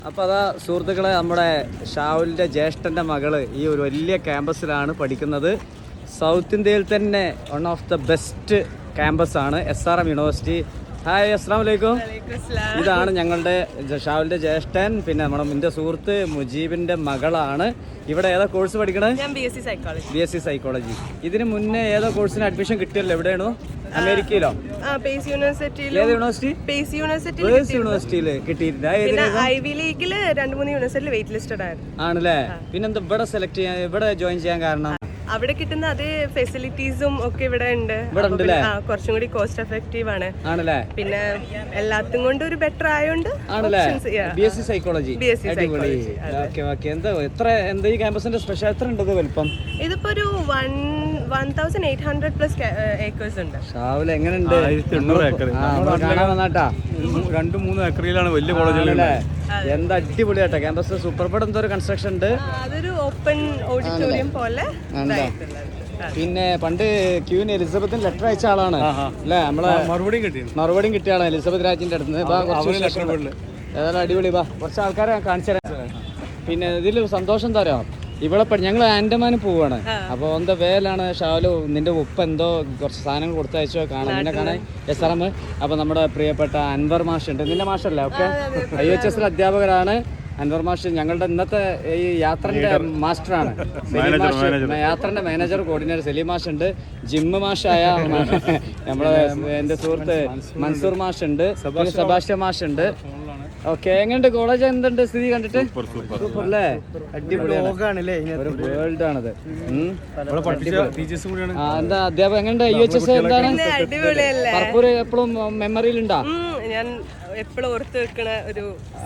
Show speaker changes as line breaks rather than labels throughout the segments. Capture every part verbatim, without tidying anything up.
അപ്പോൾ അതാ സുഹൃത്തുക്കളെ, നമ്മുടെ ഷാവുലിൻ്റെ ജ്യേഷ്ഠൻ്റെ മകള് ഈ ഒരു വലിയ ക്യാമ്പസിലാണ് പഠിക്കുന്നത്. സൗത്ത് ഇന്ത്യയിൽ തന്നെ വൺ ഓഫ് ദ ബെസ്റ്റ് ക്യാമ്പസാണ് S R M university. Hi, അസ്സലാമു അലൈക്കും. ഇതാണ് ഞങ്ങളുടെ ഷാവുലിൻ്റെ ജ്യേഷ്ഠൻ, പിന്നെ നമ്മുടെ എൻ്റെ സുഹൃത്ത് മുജീബിൻ്റെ മകളാണ്. ഇവിടെ ഏതാ കോഴ്സ് പഠിക്കണത്?
B S C psychology.
B S C psychology. ഇതിന് മുന്നേ ഏതോ കോഴ്സിന് അഡ്മിഷൻ കിട്ടിയല്ലോ? എവിടെയാണോ? അമേരിക്കയിലോ?
പേസ് യൂണിവേഴ്സിറ്റിയിൽ.
ഏത് യൂണിവേഴ്സിറ്റി?
Pace university.
പേസ് യൂണിവേഴ്സിറ്റിയിൽ കിട്ടിയിട്ടില്ല.
ഐവി ലീഗിൽ രണ്ട് മൂന്ന് യൂണിവേഴ്സിറ്റിയിൽ വെയിറ്റ് ലിസ്റ്റഡ് ആയിരുന്നു.
ആണല്ലേ? പിന്നെന്താ ഇവിടെ സെലക്ട് ചെയ്യാൻ, ഇവിടെ ജോയിൻ ചെയ്യാൻ കാരണം?
അവിടെ കിട്ടുന്ന അതേ ഫെസിലിറ്റീസും ഒക്കെ ഇവിടെ ഉണ്ട്. കുറച്ചും കൂടി കോസ്റ്റ് എഫക്റ്റീവ് ആണ്.
ആണല്ലേ?
പിന്നെ എല്ലാത്തും കൊണ്ട് ഒരു ബെറ്റർ ആയോണ്ട്.
ആണല്ലേ? B S C psychology. എന്താ എത്ര എന്താ ഈ ക്യാമ്പസിന്റെ സ്പെഷ്യൽ എത്ര ഉണ്ട് വലിപ്പം?
ഇതിപ്പോ ഒരു one one thousand eight hundred plus acres ഉണ്ട്.
ഷാവുൽ എങ്ങനെയുണ്ട്? കാണാൻ വന്നാട്ടാ.
രണ്ടു മൂന്ന് ഏക്കറിലാണ് വലിയ കോളേജുകളല്ലേ.
എന്താ അടിപൊളിയാട്ടോ ക്യാമ്പസ്. സൂപ്പർ. ഇവിടെ എന്തോ ഒരു കൺസ്ട്രക്ഷൻ ഉണ്ട്.
അതൊരു ഓപ്പൺ ഓഡിറ്റോറിയം പോലെ.
പിന്നെ പണ്ട് ക്യൂന് എലിസബത്തിന് ലെറ്റർ അയച്ച ആളാണ് അല്ലേ? നമ്മളെ
മറുപടിയും കിട്ടി
മറുപടിയും കിട്ടിയ ആളാണ് എലിസബത്ത് രാജിന്റെ അടുത്ത്. ഏതായാലും അടിപൊളി. വാ, കുറച്ച് ആൾക്കാരെ കാണിച്ചു തരാം. പിന്നെ ഇതിൽ സന്തോഷം തരാം. ഇവിടെ ഞങ്ങൾ ആൻഡമാന് പോവാണ്. അപ്പൊ എന്താ വേലാണ് ഷാലു, നിന്റെ ഉപ്പ എന്തോ കുറച്ച് സാധനങ്ങൾ കൊടുത്തയച്ചോ കാണാൻ, നിന്നെ കാണാൻ എസ് ആർ എം. അപ്പൊ നമ്മുടെ പ്രിയപ്പെട്ട അൻവർ മാഷ് ഉണ്ട്. നിന്റെ മാഷല്ലേ? ഓക്കെ, ഐ എച്ച് എസ് അധ്യാപകരാണ് അൻവർ മാഷ്. ഞങ്ങളുടെ ഇന്നത്തെ ഈ യാത്രന്റെ മാസ്റ്ററാണ് സലീം മാഷ്. യാത്രന്റെ മാനേജർ കോർഡിനേറ്റർ സലീം മാഷ് ഉണ്ട്. ജിമ്മ് മാഷായ നമ്മുടെ എന്റെ സുഹൃത്ത് മൻസൂർ മാഷ് ഉണ്ട്. സെബാസ്റ്റ്യൻ മാഷ് ഉണ്ട്. ഓക്കെ, എങ്ങനെയുണ്ട് കോളേജ്? എന്തുണ്ട് സ്ഥിതി കണ്ടിട്ട്? സൂപ്പർ അല്ലേ? അടിപൊളിയാണ്. ഒരു വേൾഡ് ആണത്. എന്താ അധ്യാപകം എങ്ങനെയുണ്ട്? ഐ എച്ച് എസ് എന്താണ്? കർപ്പൂർ എപ്പോഴും മെമ്മറിയിലുണ്ടോ?
ഞാൻ എപ്പോഴും ഓർത്ത് വെക്കണ ഒരു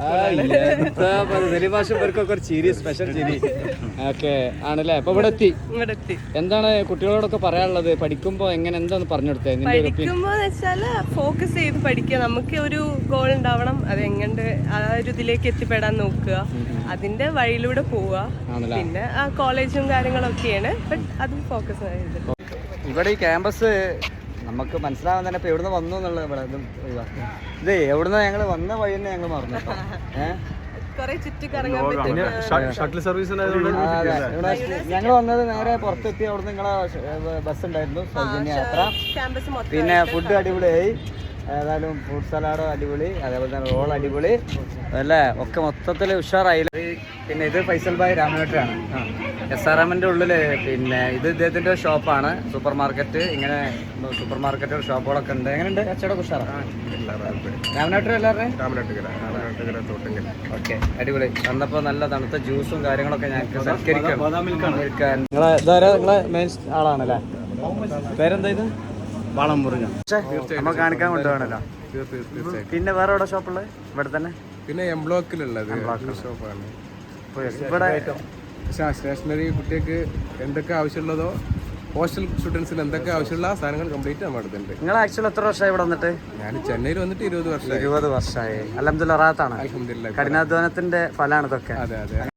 ഒരു ചിരി, സ്പെഷ്യൽ ചിരി. ഓക്കെ ആണല്ലേ? അപ്പൊ ഇവിടെ എത്തി. എന്താണ് കുട്ടികളോടൊക്കെ പറയാനുള്ളത്? പഠിക്കുമ്പോ എങ്ങനെ എന്താന്ന് പറഞ്ഞു കൊടുത്തേ?
പഠിക്കുമ്പോ വെച്ചാല് ഫോക്കസ് ചെയ്ത് പഠിക്കുക. നമുക്ക് ഒരു ഗോൾ ഉണ്ടാവണം. അത് എങ്ങനെ ആ ഒരു ഇതിലേക്ക് എത്തിപ്പെടാൻ നോക്കുക. അതിന്റെ വഴിയിലൂടെ പോവുക. പിന്നെ ആ കോളേജും കാര്യങ്ങളൊക്കെയാണ്, ബട്ട് അത് ഫോക്കസ് ചെയ്ത്.
ഇവിടെ ഈ ക്യാമ്പസ് നമുക്ക് മനസ്സിലാവാൻ തന്നെ ഇപ്പൊ എവിടുന്ന് വന്നു എന്നുള്ളത്. ഇവിടെ ഇത് എവിടുന്ന് ഞങ്ങൾ വന്ന വഴി തന്നെ ഞങ്ങൾ മറന്നു. ഞങ്ങൾ വന്നത് നേരെ പുറത്തെത്തി. അവിടുന്ന് നിങ്ങളെ ബസ് ഉണ്ടായിരുന്നു, സൗജന്യ യാത്ര. പിന്നെ ഫുഡ് അടിപൊളിയായി. ഏതായാലും ഫ്രൂട്ട് സലാഡ് അടിപൊളി, അതേപോലെ തന്നെ റോൾ അടിപൊളി അല്ലേ? ഒക്കെ മൊത്തത്തിൽ ഉഷാറായില്ല. പിന്നെ ഇത് ഫൈസൽ ഭായ് രാമനാട്ടാണ് എസ് ആർ എമ്മിൻ്റെ ഉള്ളില്. പിന്നെ ഇത് ഇദ്ദേഹത്തിൻ്റെ ഷോപ്പാണ്, സൂപ്പർ മാർക്കറ്റ്. ഇങ്ങനെ സൂപ്പർ മാർക്കറ്റ് ഷോപ്പുകളൊക്കെ ഉണ്ട്. എങ്ങനെയുണ്ട് കച്ചവടം? ഉഷാറാണ്. രാമനാട്ടർ എല്ലാവരുടെയും ഓക്കെ, അടിപൊളി. വന്നപ്പോൾ നല്ല തണുത്ത ജ്യൂസും കാര്യങ്ങളൊക്കെ ഞങ്ങൾക്ക് സൽക്കരിക്കാൻ. നിങ്ങളെ ഇതാരാ? നിങ്ങളെ മെയിൻ ആളാണല്ലേ? പേരെന്താ? ഇത്
വളംമുറിഞ്ഞ
നമ്മൾ കാണിക്കാൻ കൊണ്ടുപോകണല്ലോ. പിന്നെ വേറെ എവിടെ ഷോപ്പുള്ളത്? ഇവിടെ തന്നെ.
പിന്നെ എം ബ്ലോക്കിലുള്ളത് ഷോപ്പാണ്.
ഇവിടെ
സ്റ്റേഷനറി കുട്ടികൾക്ക് എന്തൊക്കെ ആവശ്യമുള്ളതോ, ഹോസ്റ്റൽ സ്റ്റുഡൻസിന് എന്തൊക്കെ ആവശ്യമുള്ള സാധനങ്ങൾ കംപ്ലീറ്റ് നമ്മുടെ അടുത്തുണ്ട്.
നിങ്ങൾ ആക്ച്വലി എത്ര വർഷമായി ഇവിടെ വന്നിട്ട്?
ഞാൻ ചെന്നൈയിൽ വന്നിട്ട് ഇരുപത് വർഷം
ഇരുപത് വർഷമായി. അൽഹംദുലില്ലാഹ് റാഹത്താണ്.
അൽഹംദുലില്ലാഹ്.
കഠിനാധ്വാനത്തിന്റെ ഫലമാണ് ഇതൊക്കെ.
അതെ അതെ.